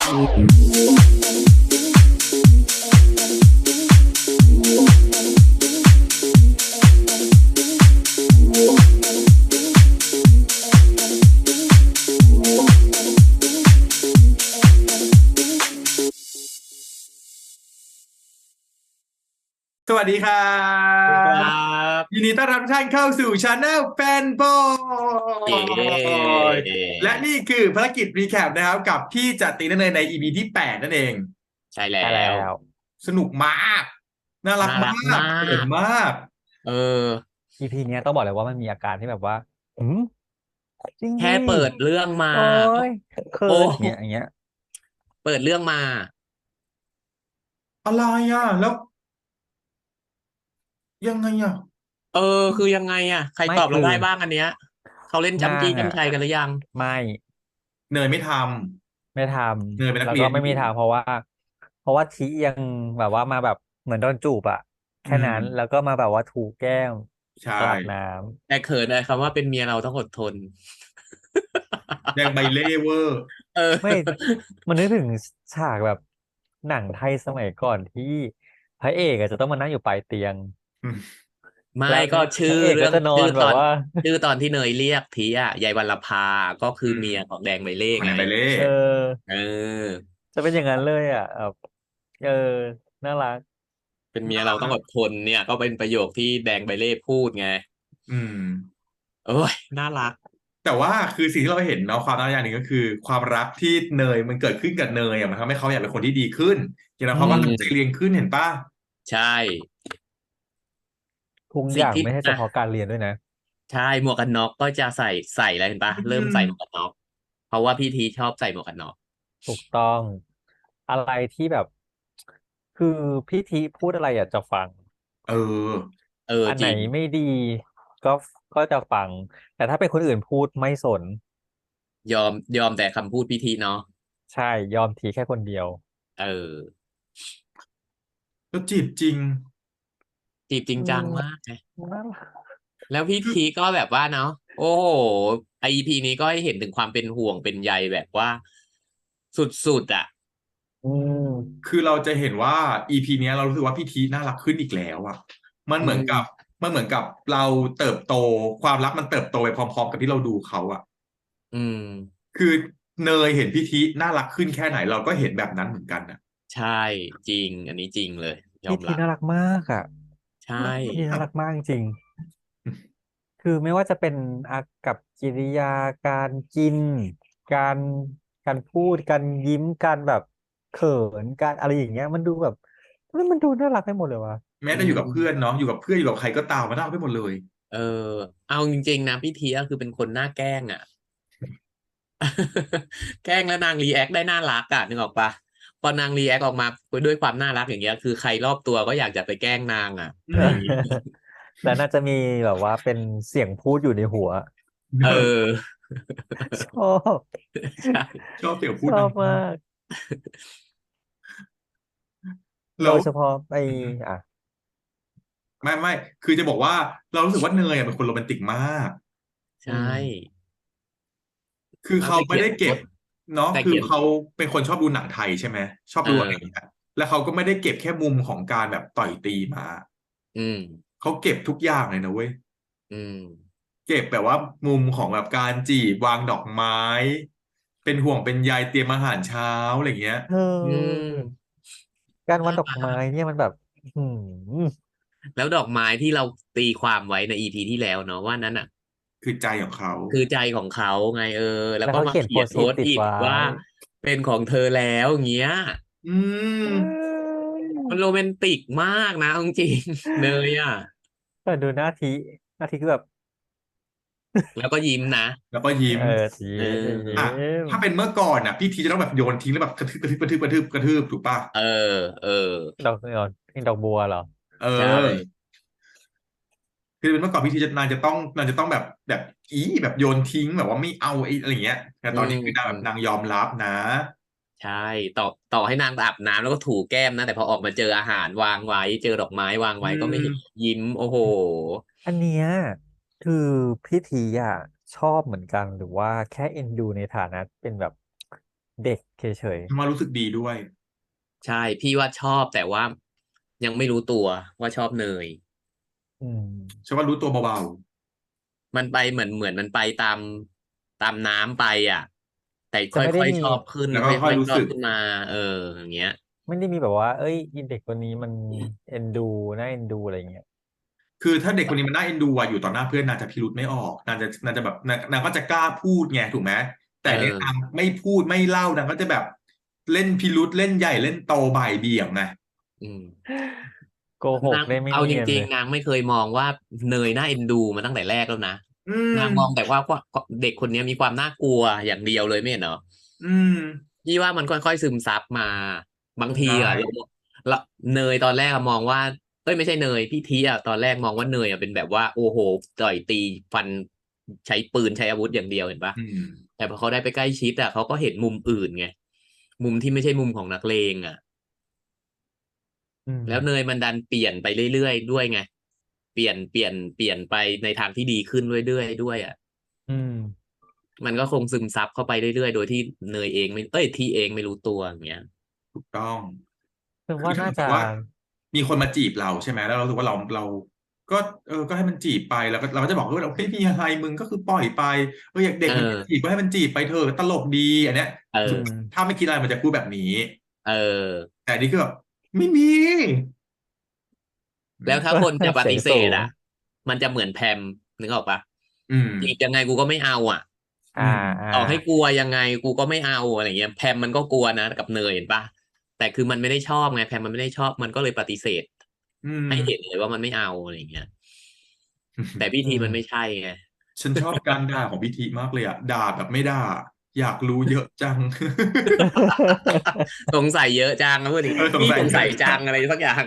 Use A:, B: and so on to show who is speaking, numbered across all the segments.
A: สวัสดีครั
B: สวัสดีครั
A: บยิน
B: บ
A: ดีต้อนรับทุกท่านเข้าสู่ช anel แฟนบอ
B: เย้
A: ยและนี่คือภารกิจรีแคปนะครับกับพี่จตินันเนยใน EP ที่8นั่นเอง
B: ใช่แล้
C: ใช่แล้
B: ว
C: ว
A: สนุกมากน่ารัก
B: น่า
A: มา
B: รักมา
A: กเขิน
B: ก
A: มาก
B: เออ
C: EP เนี้ยต้องบอกเลยว่ามันมีอาการที่แบบว่าอืมจริงดิ
B: แค่เปิดเรื่องมา
C: โอ้
B: ก็
C: ยเขิ
B: โอ้
C: นอย่างเงี้ย
B: เปิดเรื่องมา
A: อะไรอ่ะแล้วยังไงอ่ะ
B: เออคือยังไงอ่ะใครตอบเรา
C: ไม่คือ
B: ได้บ้างอันเนี้ยเขาเล่น
C: นางอ่ะ
B: จำจี้จำชัยกันหรือยัง
C: ไม่
A: เนยไม่ท
C: ไม่ท
A: ำเนยเป็น
C: ำ
A: นั
C: แล้วก็ไม่มี
A: กเรียนอยู่
C: ทางเพราะว่าทียังแบบว่ามาแบบเหมือนโดนจูบอะ
A: อื
C: แค่นั้นแล้ว
A: ม
C: ก็มาแบบว่าถูแก้ม
A: ใช่
C: ตอนอาบน้
B: แต่เขินเลยคำว่าเป็นเมียเราต้องอดทน
A: แดงใบเล่เวอร์
B: เออ
C: ำไม่มันนึกถึงฉากแบบหนังไทยสมัยก่อนที่พระเอกอะจะต้องมานั่งอยู่ปลายเตียง
A: อืม
B: ไม่
C: แล้ว
B: ก็ชื่อ
C: นางเอก
B: เรื่อง
C: ก็จะนอนแบบว่า
B: ชื่อตอนที่เนยเรียกทีอ่ะยายวรรณภาก็คือ
A: อืม
B: เมียของแดงใบเล่
A: ของแด
B: ไง
A: งใบเล่
C: เออ
B: เออ
C: จะเป็นอย่างนั้นเลยอ่ะแบบเออน่ารัก
B: เป็นเมียเราต้องอดทนเนี่ยก็เป็นประโยคที่แดงใบเล่พูดไง
A: อืม
B: โอ้ยน่ารัก
A: แต่ว่าคือสิ่งที่เราเห็นเนาะความน่ารักอย่างหนึ่งก็คือความรักที่เนยมันเกิดขึ้นกับเนยอ่ะมันทำให้เขาอยากเป็นคนที่ดีขึ้นอย่างนั้น
C: อื
A: เขาก็ตั้งใจ
C: ม
A: เรียนขึ้นเห็นป่ะ
B: ใช่
C: ทุกอ
B: สิ่งที่
C: ย่างไม่ใช่เฉ
B: อ่ะ
C: พาะการเรียนด้วยนะ
B: ใช่หมวกกันน็อกก็จะใส่อะไรเห็นปะ
A: อื
B: เริ่ม
A: ม
B: ใส่หมวกกันน็อกเพราะว่าพี่ทีชอบใส่หมวกกันน็อก
C: ถูกต้องอะไรที่แบบคือพี่ทีพูดอะไรอยากจะฟัง
A: เออ
B: เออ
C: อันไหน
B: จริง
C: ไม่ดีก็ก็จะฟังแต่ถ้าเป็นคนอื่นพูดไม่สน
B: ยอมแต่คำพูดพี่ทีเนาะ
C: ใช่ยอมทีแค่คนเดียว
B: เออ
A: แล้วจีบจริง
B: จีบจริง
C: อืม
B: จังมากไง
C: น่ารัก
B: แล้วพี่
A: คือ
B: ทีก็แบบว่าเนาะโอ้โหไอพีนี้ก็ให้เห็นถึงความเป็นห่วงเป็นใยแบบว่าสุดๆอ่ะ
C: อืม
A: คือเราจะเห็นว่า EP เนี้ยเรารู้สึกว่าพี่ทีน่ารักขึ้นอีกแล้วอ่ะมัน
B: อื
A: เหมือนกับ
B: ม
A: มันเหมือนกับเราเติบโตความรักมันเติบโตไปพร้อมๆกับที่เราดูเขาอ่ะ
B: อืม
A: คือเนยเห็นพี่ทีน่ารักขึ้นแค่ไหนเราก็เห็นแบบนั้นเหมือนกันอ่ะ
B: ใช่จริงอันนี้จริงเลยยอ
C: พี่
B: มรับ
C: ทีน่ารักมากอ่ะ
B: ใช่
A: รัก
C: พี่ที
A: มาก
C: น่ารักมากจริง คือไม่ว่าจะเป็นอากับกิริยาการกินการการพูดการยิ้มการแบบเขินการอะไรอย่างเงี้ยมันดูแบบมันดูน่ารักไปหมดเลยวะ
A: แม้
B: อื
A: แต่อยู่กับเพื่อน
B: ม
A: เนาะอยู่กับเพื่อนอยู่กับใครก็ตามมันน่ารักไปหมดเลย
B: เออเอาจริงๆนะพี่เทียคือเป็นคนหน้าแกล้งอ่ะแกล้งแล้วนางรีแอคได้น่ารักอ่ะนึกออกปะพอนางรีแอคออกมาด้วยความน่ารักอย่างเงี้ยคือใครรอบตัวก็อยากจะไปแกล้งนางอ่ะ
A: อื
B: อะไรอย่างงี้
A: ม
C: แล้วน่าจะมีแบบว่าเป็นเสียงพูดอยู่ในหัว
B: เออ
C: ชอบ
B: ใช่
A: ชอบเสียงพู
C: ชอบ
A: ดนางมา
C: มา
A: ก
C: ก
A: แล้ว
C: โดยเฉพาะไอ้อ่ะ
A: ไม่คือจะบอกว่าเรารู้สึกว่าเนยอะเป็นคนโรแมนติกมาก
B: ใช่
C: อืม
A: คือเขา
B: เอาแต่เขียน
A: ไม่ได้เก็บ
B: บท
A: เนาะ
B: แต่เขียน
A: คือเขาเป็นคนชอบดูหนังไทยใช่ไหมชอบ
B: เอ
A: ดูอะไรอย่างเงี้
B: อ
A: ยแล้วเขาก็ไม่ได้เก็บแค่มุมของการแบบต่อยตีมา
B: อืม
A: เขาเก็บทุกอย่างเลยนะเว้ย
B: อืม
A: เก็บแบบว่ามุมของแบบการจีบวางดอกไม้เป็นห่วงเป็นใยเตรียมอาหารเช้าอะไรอย่างเงี้ย
C: เ
B: อื
C: ออ
B: ม
C: การวั
B: น่ารั
C: ดดอกไม้
B: ก
C: เนี่ยมันแบบอืม
B: แล้วดอกไม้ที่เราตีความไว้ในอีพีที่แล้วเนาะว่านั้นอ่ะ
A: คือใจของเขา
B: คือใจของเขาไงแล้ว
C: แล้วเขา
B: ก็มา
C: เขียนโพสต์
B: เขียนโพ
C: อิทติดไว้
B: สต์อิทว่าเป็นของเธอแล้วอย่างเงี้ย
A: อื
C: เ
A: ม
C: อ้ย
B: มันโรแมนติกมากนะเอาจริงๆเนยอ่ะ
C: แต่ดูหน้าทีคือแบบ
B: แล้วก็ยิ้มนะ
A: แล้วก็ยิ้
C: เออ
A: ม
C: ที
B: เ
C: ยิ้
A: อ่ะ
B: ออ
C: ม
A: ถ้าเป็นเมื่อก่อนอ่ะพี่ทีจะต้องแบบโยนทิ้งแล้วแบบกระทืบถูกป่ะ
B: เออเออ
C: ดอกบัวเหรอ
A: เอ
B: ใช่
A: อคือเป็นเมื่อก่อนพี่ทีจะนางจะต้องแบบแบบโยนทิ้งแบบว่าไม่เอาไอ้อะไรอย่างเงี้ยแต่
B: อื
A: ตอนนี้คือนางแบบนาง
B: ม
A: ยอมรับนะ
B: ใช่ต่อให้นางอาบน้ำแล้วก็ถูแก้มนะแต่พอออกมาเจออาหารวางไว้เจอดอกไม้วาง
A: อื
B: ไว้ก็ไม่เห็น
A: ม
B: ยิ้มโอ้โห
C: อันเนี้ยคือพี่ทีอ่ะชอบเหมือนกันหรือว่าแค่เอ็นดูในฐานะเป็นแบบเด็กเฉย
A: ฉันว่ารู้สึกดีด้วย
B: ใช่พี่ว่าชอบแต่ว่ายังไม่รู้ตัวว่าชอบเนย
C: ๆ
A: ฉันว่ารู้ตัวเบา
B: มันไปเหมือนมันไปตามน้ำไปอ่ะแต่ค
C: จะไม่ได้
B: ่อย
C: มี
B: ๆชอบขึ้น
A: ๆแล้วก็
B: ค่อยๆช
A: ค่อยรู้สึก
B: อบขึ้นมาเอออย่างเงี้ย
C: ไม่ได้มีแบบว่าเอ้ยอินเด็กคนนี้มันเอ็นดูน่าเอ็นดูอะไรเงี้ย
A: คือถ้าเด็กคนนี้มันน่าเอ็นดูอะอยู่ต่อหน้าเพื่อนนางจะพิรุธไม่ออกนางจะแบบนางก็จะกล้าพูดไงถูกไหม
B: เอ
A: แต่เนี่ยนาง
B: อ
A: ไม่พูดไม่เล่านางก็จะแบบเล่นพิรุธเล่นใหญ่เล่นโตบ่ายเบี่ยงไง
B: อืม
C: โกหก
B: นาง
C: ได้ไม่
B: เอาจ
C: เนียนเลย
B: ริงๆนางไม่เคยมองว่าเนยน่าเอ็นดูมาตั้งแต่แรกแล้วนะ
A: อื
B: นางมอง
A: ม
B: แต่ว่าเด็กคนนี้มีความน่ากลัวอย่างเดียวเลยไม่เห็นเหรอ
A: อืม
B: พี่ว่ามันค่อยๆซึมซับมาบางที
A: ได้
B: อ่ะเราเนยตอนแรกอะมองว่าเอ้ยไม่ใช่เนยพี่ทีอ่ะตอนแรกมองว่าเนยอ่ะเป็นแบบว่าโอ้โหต่อยตีฟันใช้ปืนใช้อาวุธอย่างเดียวเห็นปะ
A: อืม
B: แต่พอเขาได้ไปใกล้ชิดอ่ะเขาก็เห็นมุมอื่นไงมุมที่ไม่ใช่มุมของนักเลงอ่ะ
C: อืม
B: แล้วเนยมันดันเปลี่ยนไปเรื่อยๆด้วยไงเปลี่ยนไปในทางที่ดีขึ้นเรื่อยๆด้วยอ่ะ
C: อืม
B: มันก็คงซึมซับเข้าไปเรื่อยๆโดยที่เนยเองไม่เอ้ยทีเองไม่รู้ตัวอย่างเงี้ย
A: ถูกต้อง
C: ถึง
A: คือ
C: ว่าน่าจะ
A: ถ้าสมมติว่ามีคนมาจีบเราใช่ไหมแล้วเรารู้สึกว่าเราก็ก็ให้มันจีบไปแล้วก็เราก็จะบอกว่าเราไม่มีอะไรมึงก็คือปล่อยไปอยากเด็
B: เอ
A: กมันจะจีบ
B: อ
A: ก็ให้มันจีบไปเถอะตลกดีอันเนี้ย
B: เออ
C: อืม
A: ถ้าไม่คิดอะไรมันจะพูดแบบนี้
B: เออ
A: แต่อันนี่คือแบบไม่มีอื
B: แล้วถ้า
A: ม
B: คนจะป
C: เสียง
B: ฏิเส
C: สูง
B: ธอ่ะมันจะเหมือนแพมนึกออกปะ
A: อืม
B: จีบยังไงกูก็ไม่เอาอ่ะ
C: อ่า
A: อืม
C: อ่า
B: ต่อให้กลัวยังไงกูก็ไม่เอาอะไรเงี้ยแพมมันก็กลัวนะกับเนยเห็นปะแต่คือมันไม่ได้ชอบไงแพมมันไม่ได้ชอบมันก็เลยปฏิเสธ
A: อืม
B: ให้เห็นเลยว่ามันไม่เอาอะไรเงี้ย แต่พิธี
C: อืม
B: มันไม่ใช่ไง
A: ฉันชอบการด่าของพิธีมากเลยอ่ะด่าแบบไม่ด่าอยากรู้เยอะจัง
B: สงสัยเยอะจังนะพูดดิ
A: สงสัย
B: พี่สงสัย
A: เยอะจัง
B: จังอะไรสักอย่าง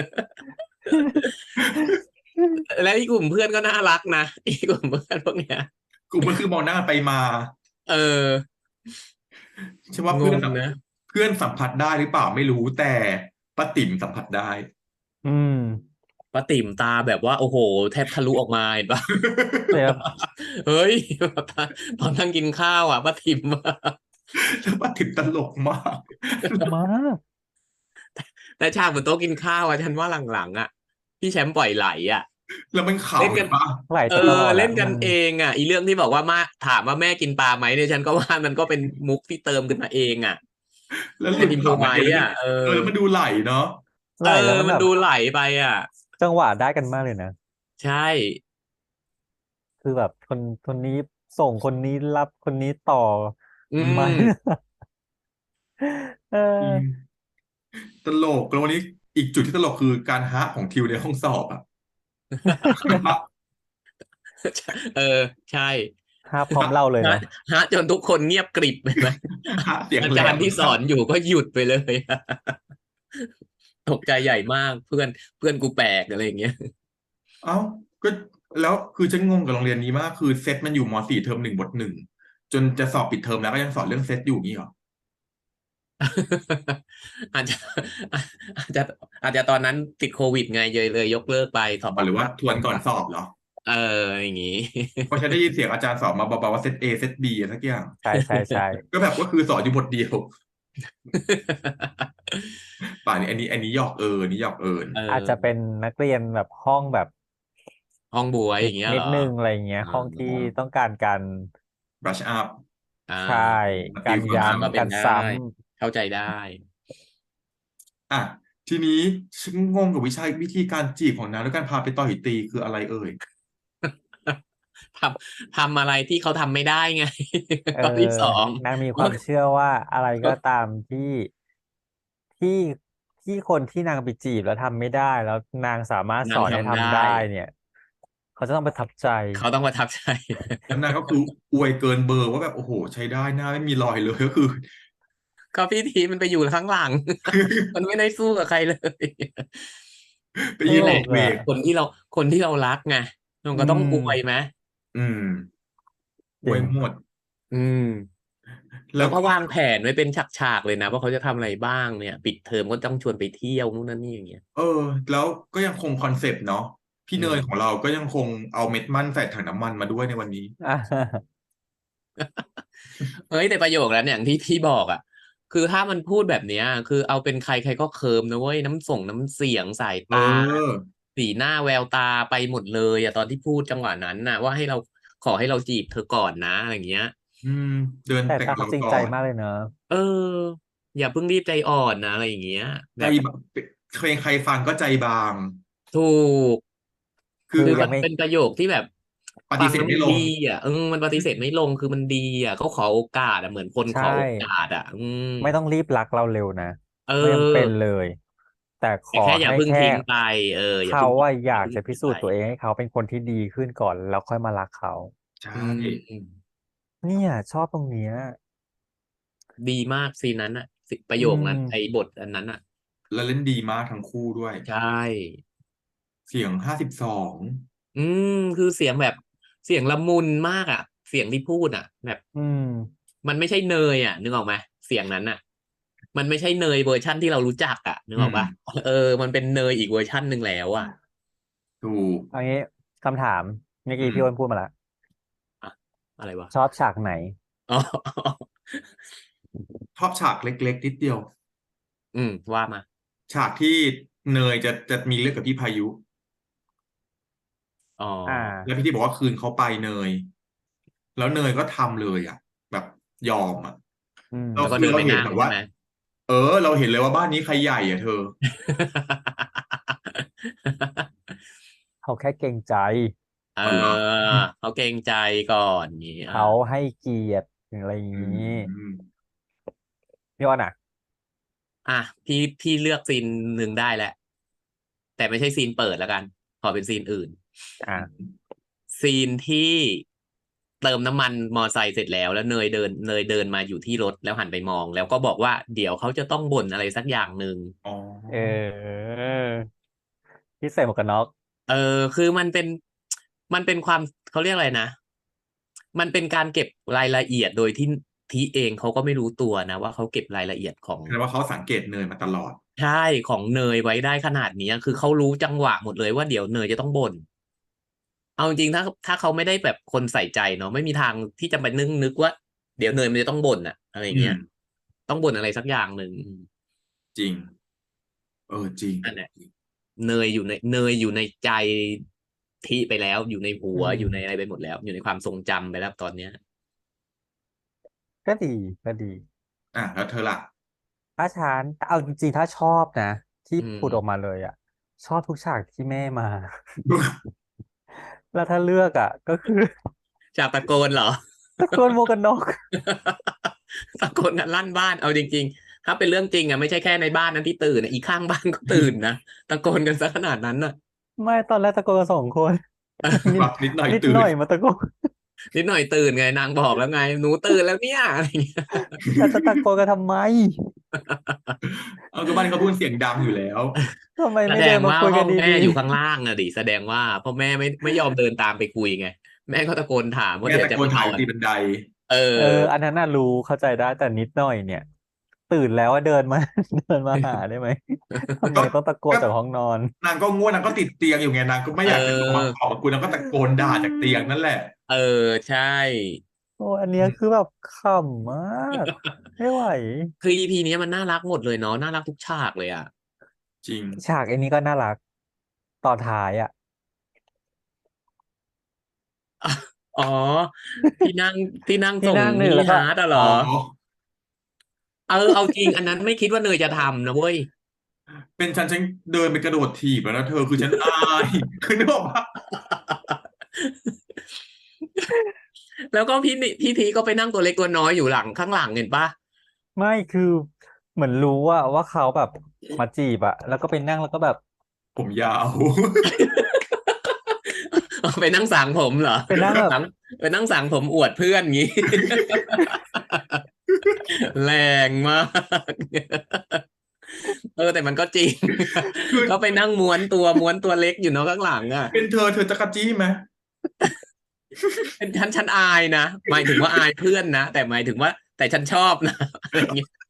B: แล้วอีกกลุ่มเพื่อนก็น่ารักนะอีกกลุ่มเพื่อนพวกเนี้ย
A: กูก็คือมองหน้าไปมา
B: เออ
A: ใช่ว่า
B: งงนะ
A: เพื่อนสัมผัสได้หรือเปล่าไม่รู้แต่ป้าติ๋มสัมผัสได้
C: อืม
B: ป้าติ๋มตาแบบว่าโอ้โหแทบทะลุออกมาเห็นปะ
C: แต่
B: เฮ้ยตอนนั่งกินข้าวอ่ะป้าติ๋มอะ
A: แล้วป้าติ๋มตลกมาก
C: มาก
B: แต่ฉากบนโต๊ะกินข้าวอ่ะฉันว่าหลังๆอ่ะพี่แชมป์ปล่อยไหลอ่ะ
A: แล้วมัน
B: เล่นกัน
A: ขำเห็นปะ
C: ไหล
B: เออ
C: ไปตลอด
B: เล่
C: อ่ะมัน
B: นกันเองอ่ะอีเรื่องที่บอกว่ามาถามว่าแม่กินปลาไหมเนี่ยฉันก็ว่ามันก็เป็นมุกที่เติมขึ้นมาเองอ่ะ
A: แล้วหลุ
B: เป็นอิมโพรไว
A: ดขำมันเองแล้วมัน
B: ส์อ่ะเออ
A: แล้วมันดูไหลเนาะ
B: เออ
C: ไหลแล้วมันแบบ
B: มันดูไหลไปอ่ะ
C: จังหวะได้กันมากเลยนะ
B: ใช่
C: คือแบบคนนี้ส่งคนนี้รับคนนี้ต่อ
B: อื
C: มา
B: ม
C: เอ
A: จริง
C: อ
A: ตลกแล้ววันนี้อีกจุดที่ตลกคือการฮะของทิวในห้องสอบอ่ะ
B: เออใช่
C: ภาพพร้อมเล่าเลย
B: ฮะ
C: นะ
B: ฮะจนทุกคนเงียบกริบเห็นไหม
A: ฮะเสียง
B: อา
A: แหลม
B: จารย์ที่ส
A: มาก
B: อนอยู่ก็หยุดไปเลยตกใจใหญ่มากเพื่อนกูแปลกอะไรอย่างเงี้ย
A: เอ้าก็แล้วคือฉันงงกับโรงเรียนนี้มากคือเซตมันอยู่ม.4เทอม 1 บท 1จนจะสอบปิดเทอมแล้วก็ยังสอนเรื่องเซตอยู่งี้เหรอ
B: อาจจะอาจจะอาจจะตอนนั้นติดโควิดไงเลยยกเลิกไปสอบอ
A: หรือว่า
B: อนไลน์
A: ทวนก่อนสอบเหรอ
B: เอออย่างงี้
A: เพราะฉันได้ยินเสียงอาจารย์สอนมาเบาๆว่าเซตเอเซตบีสักอย่าง
C: ใช่ใช่ใช่
A: ก็แบบก็คือสอนอยู่บทเดียวป่านนี้อันนี้หยอกอันนี้หยอก
B: เอ
C: อาจจะเป็น
B: อ
C: นักเรียนแบบห้องแบบ
B: ห้องบวย
C: นิด
B: อย่างเงี้ยเหรอ
C: นิดนึงอะไรเงี้ย
B: อ๋อ
C: ห้องที่ต้องการการ
A: บรัชอัพ
B: อ่
C: ใช่
B: า
A: สกิ
C: การ
A: ลความเข้า
B: ก็
C: ย้ำ
B: เป็นได้
C: การซ้
B: เข้าใจได้
A: อ่ะทีนี้ฉันงงกับวิธีการจีบของนางด้วยการพาไปต่อยตีคืออะไรเอ่ย
B: ทำอะไรที่เขาทำไม่ได้ไง
C: ำ
B: ข้อที่สอง
C: นางมีความเชื่อว่าอะไรก็ตามที่ที่คนที่นางไปจีบแล้วทำไม่ได้แล้วนางสามารถส
B: นาง
C: อนให้
B: ทำได้
C: ทำได้เนี่ยเขาจะต้องประทับใจ
B: เขาต้องประทับใจ
A: แล้วนางก็คืออวยเกินเบอร์ว่าแบบโอ้โหใช้ได้หน้าไม่มีรอยเลยก็คือ
B: ก็พี่ทีมันไปอยู่ข้างหลัง มันไม่ได้สู้กับใครเลย
A: ไป
C: ต
B: นี่แหละ
A: ยืนโบกเว
C: ลกอ่ะ
A: ก
B: คนที่เรารักไงมัน
C: อื
B: ก็ต้องอวย
C: ม
B: ไหม
A: อืมอ
C: จริง
A: วยหมด
B: อืมแล้วก็
A: แล้วก็
B: วางแผนไว้เป็นฉากๆเลยนะว่าเขาจะทำอะไรบ้างเนี่ยปิดเทอมก็ต้องชวนไปเที่ยวนู่นนั่นนี่อย่างเงี้ย
A: เออแล้วก็ยังคงคอนเซปต์เนาะพี่
B: อื
A: เนยของ
B: ม
A: เราก็ยังคงเอาเม็ดมันใส่ถังน้ำมันมาด้วยในวันนี้
C: อ่า
B: เฮ้ยแต่ประโยคนั้นอย่างที่บอกอ่ะคือถ้ามันพูดแบบเนี้ย คือเอาเป็นใครใครก็เคิร์มนะเว้ยน้ำเสียงสาย
A: เอ
B: ตา
A: อ
B: สีหน้าแววตาไปหมดเลยอะตอนที่พูดจังหวะนั้นน่ะ ว่าให้เราขอให้เราจีบเธอก่อนนะอะไรอย่างเงี้ย
A: อืม เดิน
C: แต่
A: แต่งเรา
C: ตาเขาจริง
A: ก่อน
C: ใจมากเลยเนอะ
B: เออ อย่าเพิ่งรีบใจอ่อนนะอะไรอย่างเงี้ย
A: ใจ
B: แบบ
A: เพลงใครฟังก็ใจบาง
B: ถูก
A: คือ
B: คือ
C: คือยังไม่
B: มันเป็นประโยคที่แบบ
A: ป
B: ฟังแล้วมันดี
A: ฏิเสธไม่ลง
B: อ่ะมันปฏิเสธไม่ลงคือมันดีอ่ะเขาขอโอกาสอ่ะเหมือนคนข
C: ใช่
B: อโอกาสอ่ะ
C: ไม่ต้องรีบรักเราเร็วนะ
B: เ
C: ไม่จำเป็น
B: ออ
C: เลยแต่ขอ
B: แต่แค่อย่าเพิ่ง
C: ให้แค่
B: ทิ้งไปอย่า
C: เขา
B: เพิ่งทิ้ง
C: ว่าอ
B: อย่า
C: ยากจะพิ
B: เพิ่งทิ้งไป
C: สูจน์ตัวเองให้เขาเป็นคนที่ดีขึ้นก่อนแล้วค่อยมารักเขา
A: ใช่
B: อืม
C: เนี่ยชอบตรงเนี้ย
B: ดีมากซีนนั้นอ่ะประ
C: อื
B: โยคนั้นไอ้
C: ม
B: บทอันนั้นอ่ะ
A: แล้วเล่นดีมากทั้งคู่ด้วย
B: ใช่
A: เสียง52
B: อืมคือเสียงแบบเสียงละมุนมากอ่ะเสียงที่พูดอ่ะแบบ
C: อืม
B: มันไม่ใช่เนยอ่ะนึกออกไหมเสียงนั้นอ่ะมันไม่ใช่เนยเวอร์ชั่นที่เรารู้จักอ่ะนึก
A: อืม
B: ออกปะเออมันเป็นเนยอีกเวอร์ชั่นหนึ่งแล้วอ่ะ
A: ถูก
C: เอางี้คำถามเมื่อ
A: อื
C: กี้
A: ม
C: พี่อ้นพูดมาแล้ว
B: อะอะไรวะ
C: ชอบฉากไหน
B: อ๋อ
A: ชอบฉากเล็กๆนิดเดียว
B: ว่ามา
A: ฉากที่เนยจะมีเรื่องกับพี่พายุ
B: อ๋อ
C: อ่า
A: แล้วพี่ที่บอกว่าคืนเขาไปเนยแล้วเนยก็ทำเลยอ่ะแบบยอมอ่ะ
C: อืม
B: แล้วก็
A: เราคือเรา
B: เดินไปนั่
A: เห็นแบบว่า
B: งใช่ไหม
A: เออเราเห็นเลยว่าบ้านนี้ใครใหญ่อ่ะเธอ
C: เขาแค่เกรงใจ
B: เออ
A: อ๋อเหรอ
B: เขาเกรงใจก่อนนี้
C: เขาให้เกียรติอะไรอย่าง
A: อื
C: นี้
A: ม
C: พี่อ้นอ่ะ
B: อ่ะพี่เลือกซีนหนึ่งได้แหละแต่ไม่ใช่ซีนเปิดแล้วกันขอเป็นซีนอื่น
C: อ่า
B: ซีนที่เติมน้ำมันมอไซค์เสร็จแล้วเนยเดินมาอยู่ที่รถแล้วหันไปมองแล้วก็บอกว่าเดี๋ยวเขาจะต้องบ่นอะไรสักอย่างหนึ่ง
A: อ๋อ
C: เออที่ใส่หมวกกันน็อก
B: เออคือมันเป็นความเขาเรียกอะไรนะมันเป็นการเก็บรายละเอียดโดยที่ทีเองเขาก็ไม่รู้ตัวนะว่าเขาเก็บรายละเอียดของ
A: แสดงว่าเขาสังเกตเนยมาตลอด
B: ใช่ของเนยไว้ได้ขนาดนี้คือเขารู้จังหวะหมดเลยว่าเดี๋ยวเนยจะต้องบ่นเอาจริงๆถ้าเขาไม่ได้แบบคนใส่ใจเนาะไม่มีทางที่จะไปนึกว่าเดี๋ยวเนยมันจะต้องบ่นอะอะไรอย่างเงี้ย
A: อืม
B: ต้องบ่นอะไรสักอย่างหนึ่ง
A: จริงเออจริง
B: นั่นแหละเนยอยู่ในใจทีไปแล้วอยู่ในหั
C: อื
B: วอยู่ในอะไร
C: ม
B: ไปหมดแล้วอยู่ในความทรงจำไปแล้วตอนเนี้ย
C: ก็ดีก็ดี
A: อ่ะแล้วเธอล่ะ
C: ถ้าฉันเอาจริงๆถ้าชอบนะที่
B: อื
C: พูดออกมา
B: ม
C: เลยอ่ะชอบทุกฉากที่แม่มาแล้วถ้าเลือกอ่ะก็คือ
B: จากตะโกนเหรอ
C: ตะโกนโมวกกันน็อก
B: ตะโกนกันลั่นบ้านเอาจริงๆถ้าเป็นเรื่องจริงอ่ะไม่ใช่แค่ในบ้านนั้นที่ตื่นอะอีกข้างบ้านก็ตื่นนะตะโกนกันซะขนาดนั้นน่ะ
C: ไม่ตอนแรกตะโกนกัน2 คนนิด
A: รับนิดหน่อย
C: นิดห
A: ตื่น
C: น่อยมาตะโกน
B: นิดหน่อยตื่นไงนางบอกแล้วไงหนูตื่นแล้วเนี่ยอะไรอย่างเงี้ย
C: แล้วจะตะโกนกันทำไม
A: เอาก็บ้านเขาพูดเสียงดังอยู่แล้ว
C: ทำไม
B: แส
C: ไม่เดินมา
B: ดงว่า
C: คุยกันด
B: ห้องแม่
C: ี
B: อยู่ข้างล่างอะดิแสดงว่าพ่อแม่ไม่ยอมเดินตามไปคุยไงแม่ก็ตะโกนถามว่า
A: แม่
B: เดี๋ยว
A: ตะโกนถ่าย
B: จะไปนอน
A: ตีบันได
B: เออ
C: ๆอันนั้นน่ะรู้เข้าใจได้แต่นิดหน่อยเนี่ยตื่นแล้วว่าเดินมาเดินมาหาได้ไหมทำไม
A: ก็
C: ต้องตะโกน
A: ก็
C: จากห้องนอน
A: นางก็ง่วงนางก็ติดเตียงอยู่ไงนางก็ไม่
B: เ
A: อยากจะลงมา
B: ออ
A: ขอบคุณนางก็ตะโกน
C: อื
A: ด่าจากเตียงนั่นแหละ
C: ม
B: เออใช่
C: โอ้อันเนี้ยคือแบบขำมากไม่ไหว
B: คืออีพีนี้มันน่ารักหมดเลยเนาะน่ารักทุกฉากเลยอ่ะ
A: จริง
C: ฉากไอ้นี้ก็น่ารักตอนท้ายอ่ะ
B: อ๋อที่นั่งที่นั่ง
C: ที่
B: ส่ง
C: นั่งห
B: มินิ
C: นึ่งแล้วก็
B: ฮาร์ทอะเหร
A: อ๋อ
B: อเอาจริงอันนั้นไม่คิดว่าเนยจะทำนะเว้ย
A: เป็นฉันเดินไปกระโดดถีบแล้วนะเธอคือฉันอายคือนึกออกปะ
B: แล้วก็พี่พีก็ไปนั่งตัวเล็กตัวน้อยอยู่หลังข้างหลังเห็นปะ
C: ไม่คือเหมือนรู้ว่าเขาแบบมาจีบอะแล้วก็ไปนั่งแล้วก็แบบ
A: ผมยาว
B: ไปนั่งสางผมเหรอ
C: ไปนั่งแบบ
B: หลังไปนั่งสางผมอวดเพื่อนงี้ แรงมากแต่มันก็จริง
A: คือ
B: ก็ไปนั่งม้วนตัวเล็กอยู่เนาะข้างหลังอ่ะ
A: เป็นเธอจะกระจี้ไหม
B: เป็นฉันอายนะหมายถึงว่าอายเพื่อนนะแต่หมายถึงว่าแต่ฉันชอบนะอะไรอย่างเงี้ย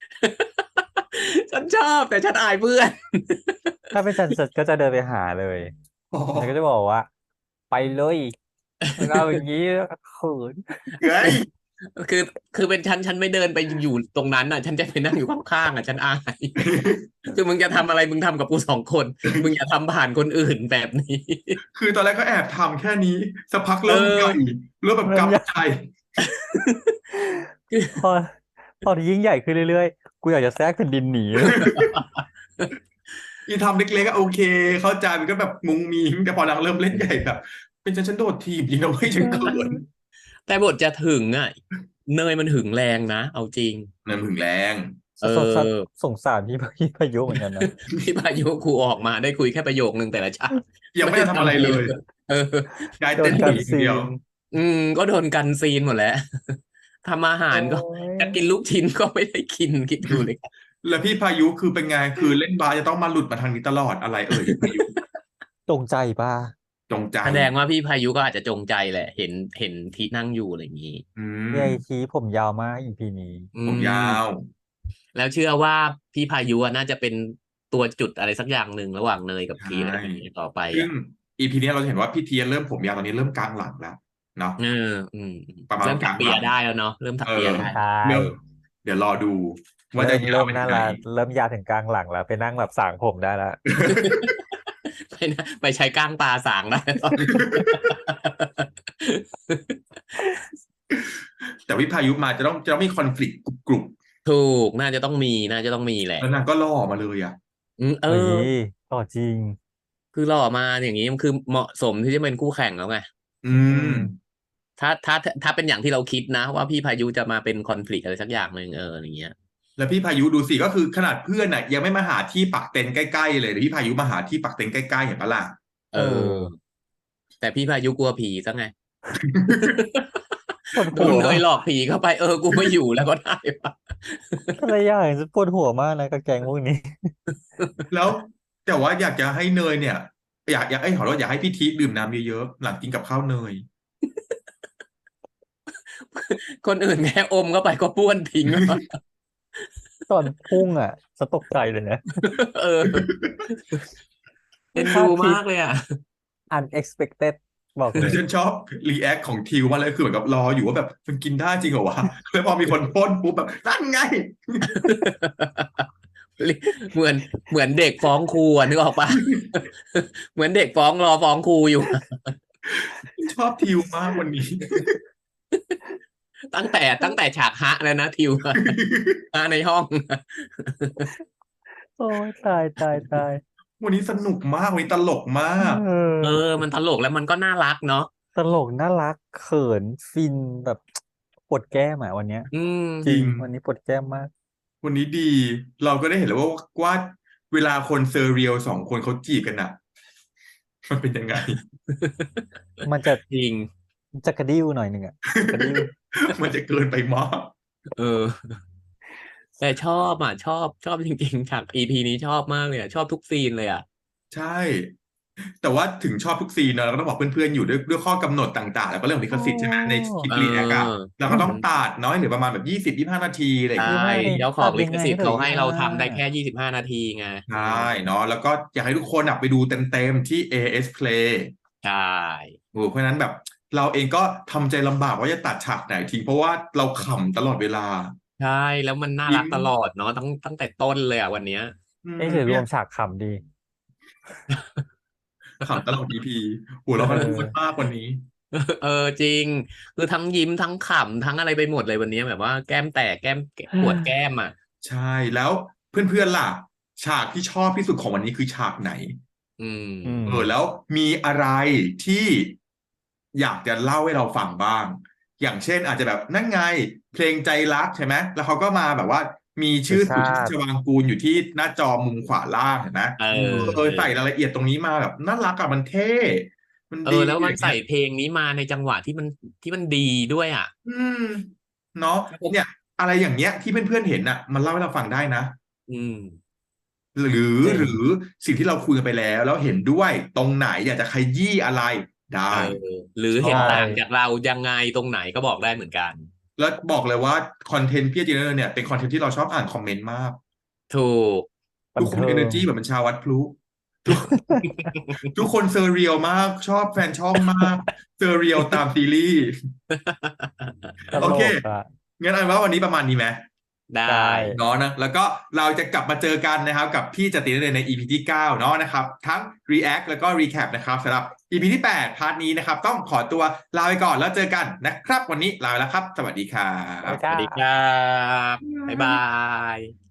B: ฉันชอบแต่ฉันอายเพื่อน
C: ถ้าเป็นฉันก็จะเดินไปหาเลย
A: อ๋อ
C: แล้วก็จะบอกว่าไปเลยแล้วก็เอาอย่างนี้เขิน
A: เฮ้ย
B: คือคือเป็นฉันไม่เดินไปอยู่ตรงนั้นอ่ะ ฉันจะไปนั่งอยู่ข้างๆอ่ะฉันอาย คือมึงจะทำอะไรมึงทำกับกู2 คนมึงอย่าทำผ่านคนอื่นแบบนี้
A: คือตอนแรกก็แอบทำแค่นี้สักพัก
B: เอ
A: เริ่มใหญ่
B: อ
A: เริ่มแบบ
C: เริ่มใหญ่
A: กำใจ
B: คือ
C: พอพอยิ่งใหญ่ขึ้นเรื่อยๆกูอยากจะแทรกแผ่นดินหนีเลย
A: อีทำเล็กๆก็โอเค เข้าใจมันก็แบบมุ้งมิ้งแต่พอหลังเริ่มเล่นใหญ่แบบเป็นฉันโดดถีบดีนะเว้ยฉันเขิน
B: แต่บทจะถึงอ่ะเนยมันหึงแรงนะเอาจริง
A: นั่นถึงแรง
B: เออ
C: สงสารพี่พายุเหมือนกันนะ
B: พี่พายุครูออกมาได้คุยแค่ประโยคนึงแต่ละฉาก
A: ยัง
B: ไม่
A: ไม่
B: ได้
A: ได้ทำอะไร
B: ทำอะไร
A: เล
B: เลย ยเออ
A: ได้
C: โด
A: เต้
C: น
A: นห
C: กั
A: นี
C: น
A: อย่าง
C: ซี
A: เดียว
C: น
B: ก็โดนกันซีนหมดแล้ว ทำอาหา
C: โอ้
B: รก็จะกิน
C: ย
B: ลูกชิ้นก็ไม่ได้กินคิดดูเลย
A: แล้วพี่พายุคือเป็นไงคือเล่นบาสจะต้องมาหลุดมาทางนี้ตลอดอะไรพี่พายุ
C: ตรงใจป่ะ
A: จงใจ
B: แสดงว่าพี่พายุก็อาจจะจงใจแหละ เห็นที่นั่งอยู่อะไรอย่างนี้
A: อืม
C: พี่ไอทีผมยาวมากอีพีนี้
B: อื
A: ผมยาว
B: แล้วเชื่อว่าพี่พายุอะน่าจะเป็นตัวจุดอะไรสักอย่างหนึ่งระหว่างเนยกับ
A: ใช่
B: ทีอะไรแบบนี้ต่อไป
A: ซึ่ง
B: อ่ะ
A: อีพีนี้เราจะเห็นว่าพี่เทียนเริ่มผมยาวตอนนี้เริ่มกลางหลังแล้วเนาะ
B: เออ
A: ประมาณ
B: เริ่ม
A: ก
B: ถั
A: ลาก ง
B: เปี
A: ห
B: ย
A: ลัง
B: ได้แล้วเนาะเริ่มถั
A: เอก
B: เปีย
A: อ
B: ได้
C: ใช่
A: เริ่มเดี๋ยวรอดูว่าจะยาวไปถึ
C: น่าง
A: ไหน
C: รักเริ่มยาวถึงกลางหลังแล้วไปนั่งแบบสางผมได้แล้ว
B: ไปใช้ก้างปลาสางได้ตอนนี้
A: แต่วิพายุมาจะต้องมีคอนฟ lict กรุบ
B: ถูกน่าจะต้องมีแห
A: ๆ
B: ละ
A: แล้วนางก็ล่อมาเลยอ่ะ
B: เอ
C: เฮ้ย
B: อ
C: ต่อจริง
B: คือหล่อมาอย่างนี้มันคือเหมาะสมที่จะเป็นคู่แข่งแล้วไง
A: อื
C: อื
A: ม
C: ม
B: ถ้าเป็นอย่างที่เราคิดนะ ว่าพี่พายุจะมาเป็นคอน FLICT อะไรสักอย่างหนึ่งอย่างเงี้ย
A: แล้วพี่พายุดูสิก็คือขนาดเพื่อนน่ะยังไม่มาหาที่ปักเต็นท์ใกล้ๆเลยแต่พี่พายุมาหาที่ปักเต็นท์ใกล้ๆเห็นปะล่ะ
B: เออ แต่พี่พายุกลัวผีซะไง
C: ปวด
B: โด
C: หั
B: น
C: ว
B: เนยหลอกผีเข้าไปกูไม่อยู่แล้วก็ได้ปะ
C: อะไรอย่างจะปวดหัวมากนะกับแกงพวกนี้
A: แล้วแต่ว่าอยากจะให้เนยเนี่ย อยากขอโทษอยากให้พี่ทีดื่มน้ำเยอะๆหลังกินกับข้าวเนย
B: คนอื่นแค่อมเข้าไปก็บ้วนทิ้งแล้ว
C: ตอนพุ่งอ่ะจะตกใจเลยนะ
B: เออเอ็น
C: คา
B: ดู
C: ดคิด
B: มากเลยอ่ะ
C: unexpected บอกเล
A: แล้ว
C: ย
A: ฉันชอบรีแอคของทิวมากเลยคือเหมือนกับรออยู่ว่าแบบมันกินได้จริงเหรอวะแล้วพอมีคนพ่นปุ๊บแบบนั่นไง
B: เหมือนเหมือนเด็กฟ้องครูนึกออกปะ เหมือนเด็กรอฟ้องครูอยู่
A: ชอบทิวมากวันนี้
B: ตั้งแต่ฉากฮะแล้วนะทิว ฮะในห้อง
C: โอ้ยตาย
A: วันนี้สนุกมากวันนี้ตลกมาก
B: มันตลกแล้วมันก็น่ารักเนาะ
C: ตลกน่ารักเขินฟินแบบปวดแก้มอ่ะวันเนี้ย จ
A: จ
C: ริ
A: ริ
C: ง
A: ง
C: วันนี้ปวดแก้มมาก
A: วันนี้ดี เราก็ได้เห็นแล้วว่าเวลาคนเซอร์เรียล2 คนเขาจีบกันอะมันเป็นยังไง
C: มันจะ
B: จริง
C: จะกระดิ้วหน่อยหนึ่งอ่ะกระดิ้ว
A: มันจะเกินไปมาก
B: เออ แต่ชอบชอบจริงๆฉาก EP นี้ชอบมากเลยอะชอบทุกซีนเลยอ่ะ
A: ใช่ แต่ว่าถึงชอบทุกซีนเนอะเราก็ต้องบอกเพื่อนๆอยู่ด้วยข้อกำหนดต่างๆ แล้วก็เรื่องของลิขสิทธิ์ใช่ไหมในคลิป
B: เออ
A: รีแอคอะเราก็ต้องตัดน้อยหรือประมาณแบบ20-25 นาทีอะไรอย่าง
B: ใช่
A: เงี้ย
C: ไม่
B: เจ้าของลิขสิทธิ์
C: ตัดยังไง
B: เขาให้เราทำได้
C: เหรอ
B: แค่25 นาทีไง
A: ใช่เนาะแล้วก็อยากให้ทุกคนอะไปดูเต็มๆที่ AS Play
B: ใช่
A: เพราะฉะนั้นแบบเราเองก็ทำใจลำบากว่าจะตัดฉากไหนทิ้งเพราะว่าเราขำตลอดเวลา
B: ใช่แล้วมันน่ารัก
A: ยิ้ม
B: ตลอดเนาะตั้งแต่ต้นเลยอ่ะวันเนี้ย
C: เอ๊ะหรือรวมฉากขำดี
A: ขำตลอด EP หัวเราะกันทุกคนมากวันนี้
B: จริง คือทั้งยิ้มทั้งขำทั้งอะไรไปหมดเลยวันนี้แบบว่าแก้มแตกแก้มปวดแก้มอ่ะ
A: ใช่แล้วเพื่อนๆล่ะ ฉากที่ชอบที่สุดของวันนี้คือฉากไหน
B: อืม
A: แล้วมีอะไรที่อยากจะเล่าให้เราฟังบ้าง อย่างเช่นอาจจะแบบนั่นไง เพลงใจรักใช่ไหมแล้วเขาก็มาแบบว่ามีชื่อ
C: สุ
A: สุ
C: ชา
A: ชา
C: ติ
A: ติชวางกูลอยู่ที่หน้าจอมุมขวาล่างเห็นไหม ใส่รายละเอียดตรงนี้มาแบบน่ารักอะมันเท่ มันดี
B: แล้วมัน
A: อย่าง
B: ใส่
A: เงี้ย
B: เพลงนี้มาในจังหวะที่มันดีด้วยอ่ะ
A: เนาะเนี่ย อะไรอย่างเงี้ยที่เพื่อนๆเห็นน่ะ มันเล่าให้เราฟังได้นะ
B: อืม
A: หรือ
B: จริง
A: หรือสิ่งที่เราคุยกันไปแล้วเห็นด้วยตรงไหนอยากจะขยี้อะไรได้
B: หรือ
A: ชอบ
B: เห็นต่างจากเรายังไงตรงไหนก็บอกได้เหมือนกัน
A: แล้วบอกเลยว่าคอนเทนต์พี่จีเนอร์เนี่ยเป็นคอนเทนต์ที่เราชอบอ่านคอมเมนต์มาก
B: ถูก
C: บั
A: ทุ
C: น
A: กคน
C: เทิ
A: เอง เนอร์จีแบบมันชาววัดพลุทุกทุกคนเซอร์เรียลมากชอบแฟนช่องมากเซอร์เรียลตามซีรีส์
C: ต
A: โอ
C: ล
A: เค
C: กอ่ะ
A: งั้นอันว่าวันนี้ประมาณนี้ไหม
B: ได้
C: ได้
A: เนาะนะแล้วก็เราจะกลับมาเจอกันนะครับกับพี่จติใน EP ที่ 9เนาะนะครับทั้ง React แล้วก็ Recap นะครับสำหรับ EP ที่ 8 พาร์ทนี้นะครับต้องขอตัวลาไปก่อนแล้วเจอกันนะครับวันนี้ลาไปแล้วครับ สวัสดีครั
C: ไป
A: บ
B: สวัสดีครับ บ๊ายบาย